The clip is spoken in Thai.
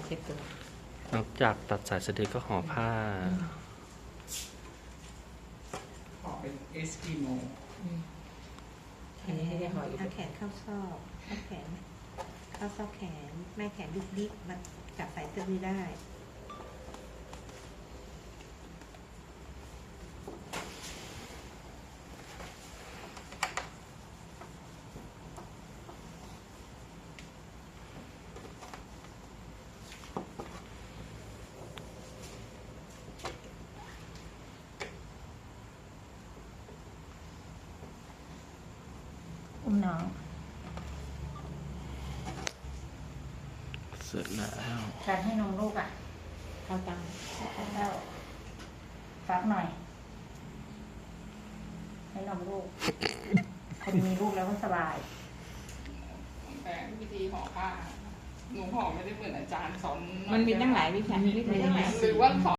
เช็ดตัวนอกจากตัดสายสะดือก็ห่อผ้าขอเป็นเอสกิโมอันนี้ให้ได้ห่ออยู่เอาแขนเข้าซอกเอาแขนเข้าซอกแขนแม่แขนดิกๆมาจับสายสะดือได้ อุ้มน้องเสร็จแล้วการให้นมลูกอ่ะเข้าตังแล้วฟักหน่อย ให้นมลูก คนมีลูกแล้วก็สบายแต่วิธีห่อผ้าหนูห่อไม่ได้เหมือนอาจารย์สอนมันมีตั้งหลายวิชาหรือว่าสอน